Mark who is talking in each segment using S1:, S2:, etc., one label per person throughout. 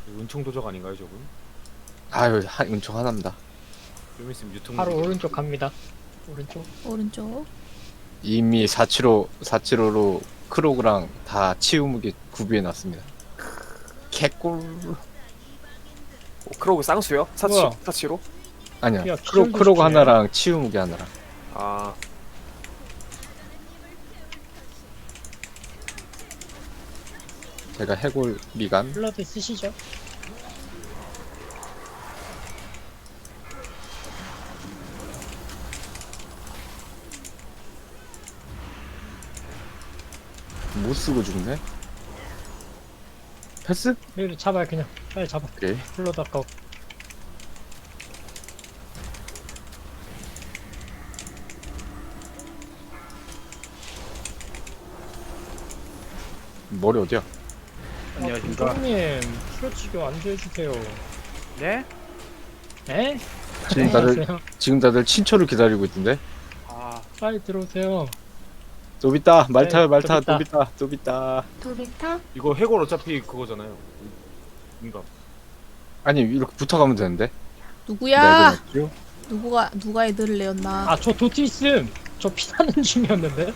S1: 은총 도적 아닌가요 저분?
S2: 아유 은총 하나입니다.
S1: 좀 있으면 유통.
S3: 바로 오른쪽 갑니다. 오른쪽.
S4: 오른쪽.
S2: 이미 475로 크로그랑 다 치우무게 구비해 놨습니다. 개꿀.
S5: 크로그 쌍수요?
S3: 뭐야?
S5: 사치로?
S2: 아니야
S3: 야,
S2: 크로그
S3: 기절도
S2: 하나랑 치우무게 하나랑.
S5: 아
S2: 제가 해골 미간.
S3: 블러드 쓰시죠.
S2: 못 쓰고 죽네. 패스?
S3: 여기 잡아요 그냥. 빨리 잡아.
S2: 그래.
S3: 블러드 아까워.
S2: 머리 어디야?
S5: 안녕하십니까.
S3: 님 풀어치기 완주해주세요.
S5: 네?
S3: 에?
S2: 지금 다들
S3: 안녕하세요.
S2: 지금 다들 친초를 기다리고 있던데.
S5: 아
S3: 빨리 들어오세요.
S2: 노비타 말타요
S3: 네,
S2: 말타
S3: 노비타.
S2: 노비타 노비타.
S4: 도비타.
S1: 이거 해골 어차피 그거잖아요. 뭔가
S2: 아니 이렇게 붙어가면 되는데.
S4: 누구야?
S2: 네,
S4: 누가 애들을 내었나?
S3: 아 저 도티 있음. 저 피나는 중이었는데.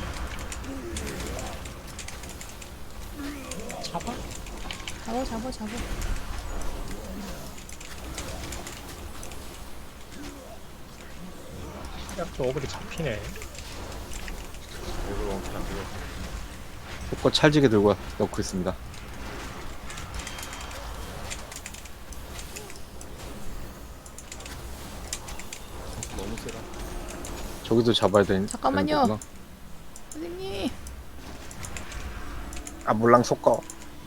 S3: 잡아.
S4: 잡아.
S3: 약저 어글이 잡히네.
S1: 해골 왕창 안 돼요.
S2: 속거 찰지게 들고 넣고 있습니다.
S1: 너무 세다.
S2: 저기도 잡아야 되는.
S4: 잠깐만요.
S2: 되는 거구나.
S4: 선생님.
S2: 아 몰랑 속거.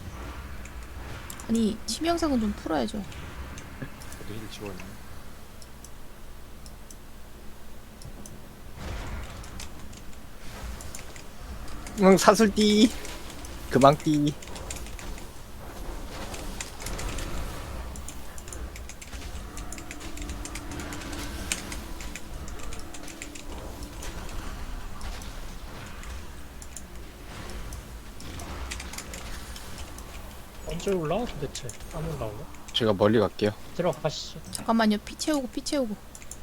S4: 아니 치명상은 좀 풀어야죠.
S1: 저도 힐 지워있네.
S2: 응 사슬띠. 그망띠.
S3: 언제 올라와 도대체? 안 올라오네.
S2: 제가 멀리 갈게요.
S3: 들어가시죠.
S4: 잠깐만요. 피 채우고.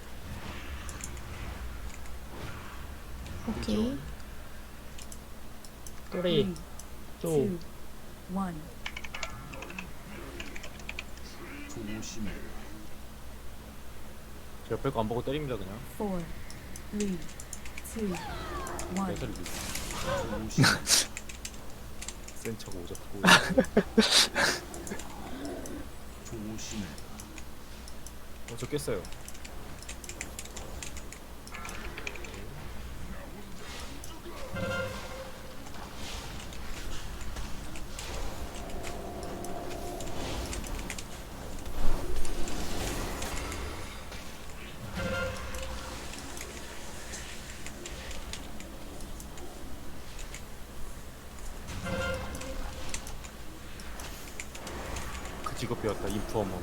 S4: 오케이.
S3: 3, 2, 1.
S1: 제가 뺄 거 안 보고 때립니다 그냥. 매설 센 척 오졌고. 저 깼어요. 그 직업 배웠다 인프어머.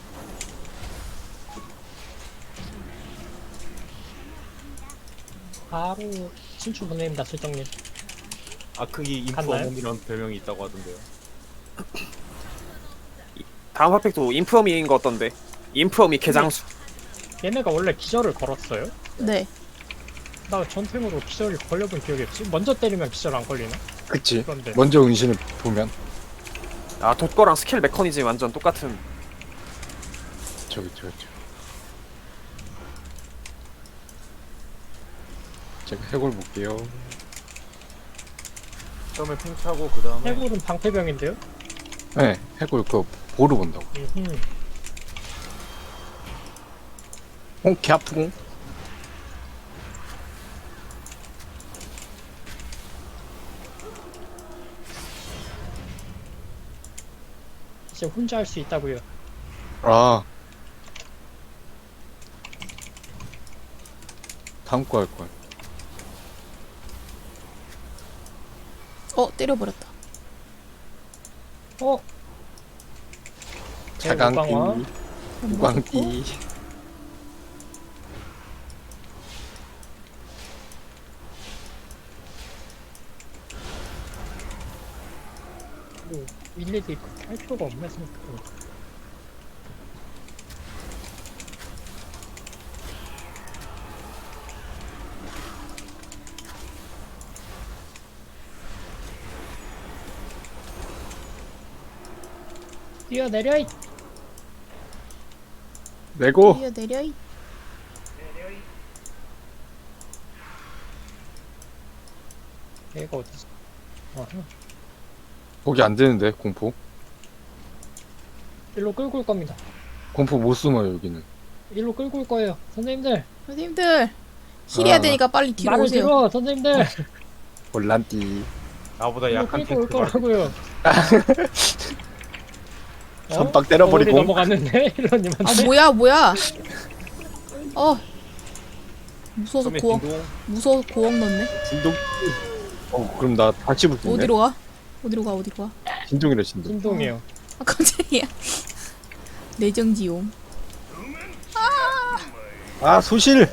S3: 바로 친추 보냅니다, 실장님.
S1: 아크기
S3: 갔나요?
S1: 인프어머이라는 별명이 있다고 하던데요.
S5: 다음 핫팩도 인프어미인 거 어떤데? 인프어미 개장수.
S3: 얘네가 원래 기절을 걸었어요?
S4: 네.
S3: 나 전템으로 기절이 걸려본 기억이 없지? 먼저 때리면 기절 안 걸리나?
S2: 그치.
S3: 그런데
S2: 먼저 은신을 보면
S5: 아 돋거랑 스킬 메커니즘이 완전 똑같은.
S2: 저기. 제가 해골 볼게요.
S1: 처음에 핑 차고 그 다음에
S3: 해골은 방패병인데요?
S2: 네, 해골 그 보루 본다고. 개 아프고.
S3: 이제 혼자 할 수 있다고요.
S2: 아. 다음 거 할 거야.
S4: 때려버렸다.
S3: 어?
S2: 자강띠,
S3: 무광화.
S2: 무광띠.
S3: 일일이 그렇게 할 필요가 없네 생각해보니까. 뛰어내려 이
S2: 내고
S4: 뛰어내려 이.
S3: 얘가 어디서 아하.
S2: 거기 안 되는데 공포.
S3: 일로 끌고 올 겁니다.
S2: 공포 못 숨어요 여기는.
S3: 일로 끌고 올 거예요 선생님들.
S4: 선생님들 힐해야
S2: 아.
S4: 되니까 빨리 뒤로
S3: 말을
S4: 오세요.
S3: 들어 선생님들.
S2: 올란띠.
S1: 나보다
S3: 일로
S1: 약한
S3: 끌고 올
S1: 탱크가
S3: 거라고요.
S2: 선박 때려버리고.
S3: 어디 넘어갔는데 힐러님한테.
S4: 아 뭐야 뭐야. 무서워서
S1: 처음에
S4: 고엉
S1: 딩동
S4: 무서워 고엉 넣네.
S2: 진동. 그럼 나 다시 붙겠네.
S4: 어디로 가? 어디로 가? 어디로 가?
S2: 진동이래 진동.
S3: 진동이에요.
S4: 아 깜짝이야. 내정지용.
S2: 아 소실.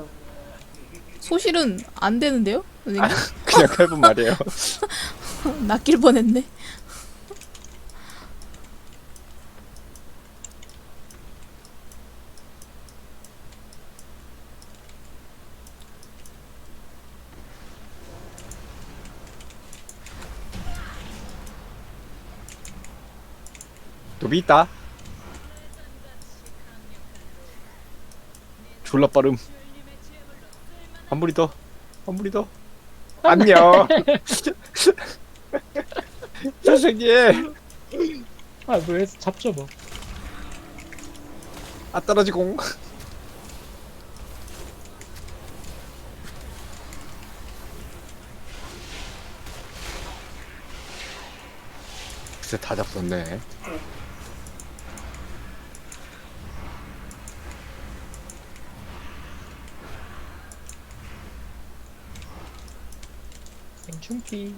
S4: 소실은 안 되는데요? 선생님?
S2: 그냥 해본 말이에요.
S4: 낚일 뻔했네.
S2: 도비 있다. 졸라 빠름. 한 무리 더. 한 무리 더. 안녕. 선생님.
S3: 아왜 잡죠 뭐.
S2: 아 떨어지공. 글쎄 다 잡섰네.
S3: 생충기.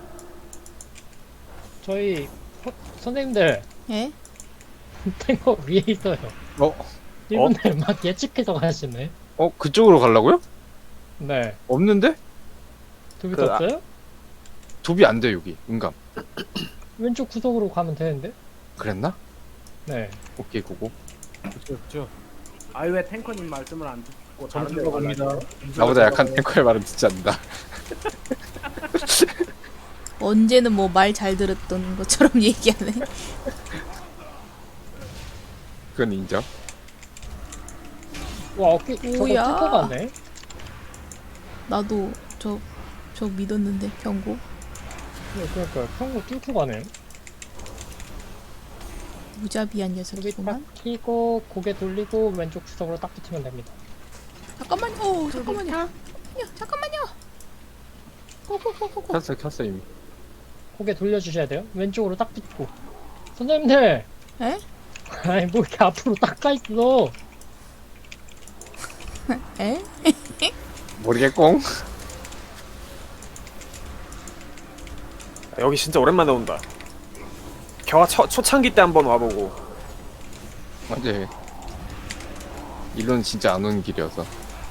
S3: 저희 선생님들
S4: 예?
S3: 탱커 위에 있어요. 이분들 막 예측해서 가시네.
S2: 그쪽으로 가려고요?
S3: 네.
S2: 없는데?
S3: 두비
S5: 그,
S3: 떴어요?
S2: 도비 안 돼 여기. 인감.
S3: 왼쪽 구석으로 가면 되는데?
S2: 그랬나?
S3: 네.
S2: 오케이 고고.
S1: 그렇죠.
S6: 아이 왜 탱커님 말씀을 안 듣고 다른
S1: 점수
S6: 데로
S1: 들어갑니다.
S6: 가려고?
S2: 나보다 약한 탱커의 말은 듣지 않는다.
S4: 언제는 뭐 말 잘 들었던 것처럼 얘기하네.
S2: 그건 인정.
S3: 와 어깨 저거
S4: 오야.
S3: 뚫고 가네.
S4: 나도 저 믿었는데 경고.
S3: 그러니까 평고 뚫고 가네.
S4: 무자비한
S3: 여기
S4: 녀석이구만.
S3: 딱 키고 고개 돌리고 왼쪽 구석으로 딱 붙이면 됩니다.
S4: 잠깐만요. 잠깐만요. 잠깐만요. 고고고고고.
S2: 켰어 이미.
S3: 고개 돌려주셔야 돼요. 왼쪽으로 딱 붙고. 선생님들.
S4: 에?
S3: 아니 뭐 이렇게 앞으로 딱 가 있어.
S4: 에?
S2: 모르겠공.
S5: 여기 진짜 오랜만에 온다. 겨가 초창기 때 한번 와보고.
S2: 맞지. 일론 진짜 안 오는 길이어서.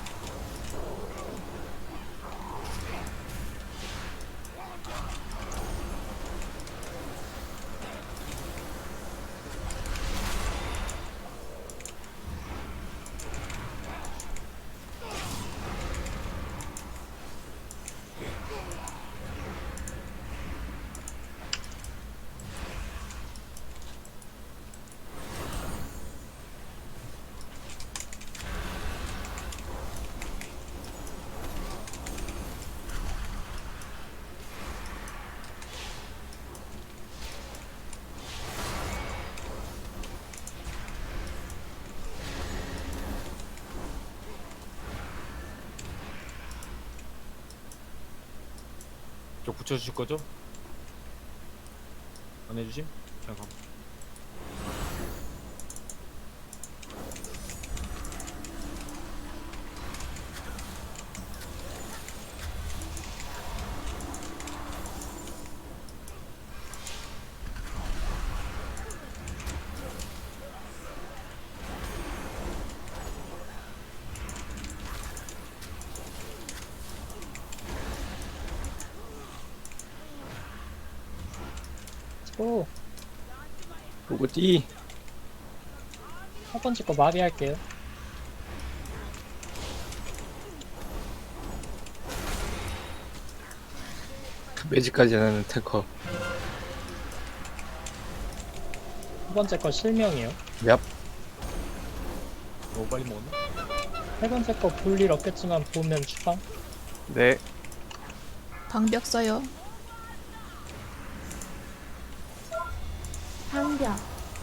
S1: 저 붙여주실 거죠? 안 해주심? 잠깐.
S3: 오
S2: 누구지?
S3: 첫 번째 거 마비할게요.
S2: 매직까지 하는 탱커.
S3: 두 번째 거 실명이요.
S2: 얍.
S1: 너무 빨리 먹었나?
S3: 세 번째 거 볼 일 없겠지만 보면 추방.
S5: 네.
S4: 방벽 써요.
S7: 방벽.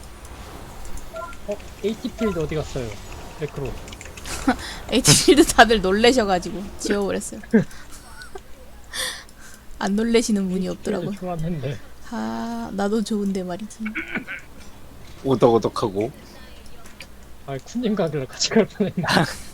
S3: AT필드 어디 갔어요? 매크로.
S4: 에이티필드 다들 놀래셔가지고 지워버렸어요. 안 놀래시는 분이 없더라고.
S3: 좋았는데.
S4: 아 나도 좋은데 말이지.
S2: 오덕오덕하고.
S3: 아 쿤님 가길래 같이 갈 뻔했네.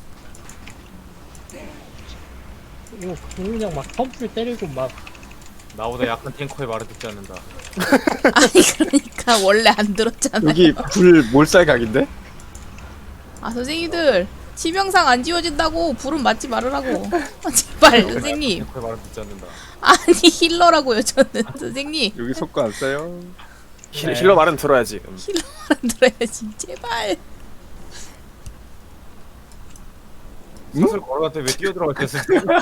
S3: 이거 그냥 막 펌프를 때리고 막
S1: 나보다 약한 탱커의 말을 듣지 않는다.
S4: 아니 그러니까 원래 안 들었잖아.
S2: 여기 불 몰살각인데?
S4: 아 선생님들 치명상 안 지워진다고 불은 맞지 말으라고. 아, 제발 선생님.
S1: 탱커의 말을 듣지 않는다.
S4: 아니 힐러라고요 저는 선생님.
S2: 여기 속고 안 써요.
S3: 네.
S5: 힐러 말은 들어야지.
S4: 안 들어야지 제발.
S1: 사슬 걸어갔더니 왜 뛰어들어갔겠어?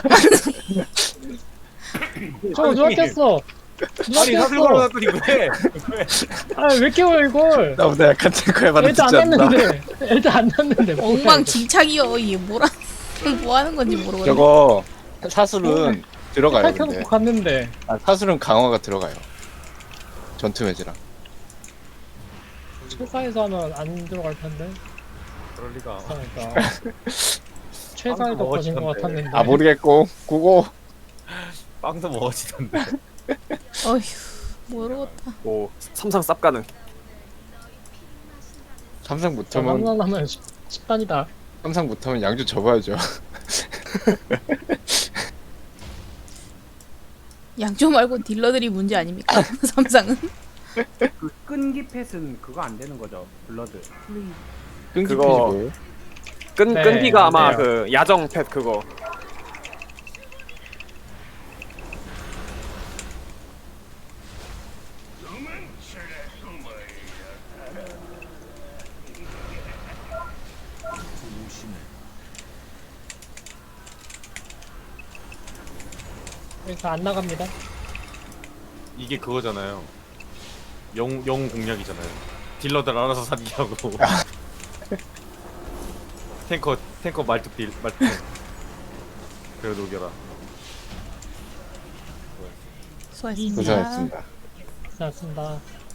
S3: 저 누가 꼈어? 누가
S1: 아니 사슬
S3: 꼈어?
S1: 걸어갔더니 왜?
S3: 아왜 껴요 이걸?
S2: 나보다 약한 탱커의 말을
S3: 애도 안
S2: 듣지 않는다.
S3: 났는데 애도 안 났는데
S4: 엉망진창이여 이게 뭐라 뭐 하는 건지 모르겠네.
S2: 저거 사술은 들어가요
S3: 탈켜놓고
S2: 근데.
S3: 갔는데
S2: 아, 사술은 강화가 들어가요. 전투 매지랑.
S3: 최사에서 하면 안 들어갈 텐데
S1: 그럴 리가.
S3: 그러니까 최사에도
S1: 빵도
S3: 꺼진 것
S1: 먹었는데.
S3: 같았는데
S2: 아 모르겠고 고고.
S1: 빵도 먹어지던데.
S4: 어휴 모르겠다.
S5: 오, 삼상 쌉 가능.
S2: 삼상
S3: 저
S2: 못하면
S3: 만나면 10단이다.
S2: 삼상 못하면 양주 접어야죠.
S4: 양조 말고 딜러들이 문제 아닙니까? 삼상은?
S6: 그 끈기 펫은 그거 안 되는 거죠. 블러드.
S2: 끈기
S5: 그거-
S2: 피지고.
S3: 네,
S5: 끈기가 아마
S3: 네.
S5: 그 야정 펫 그거.
S3: 그래서 안 나갑니다.
S1: 이게 그거잖아요. 영 공략이잖아요. 딜러들 알아서 사기 하고. 탱커 말뚝 딜 말뚝. 그래 녹여라.
S4: 수고하셨습니다.
S2: 고생하셨습니다.
S3: 고생하셨습니다.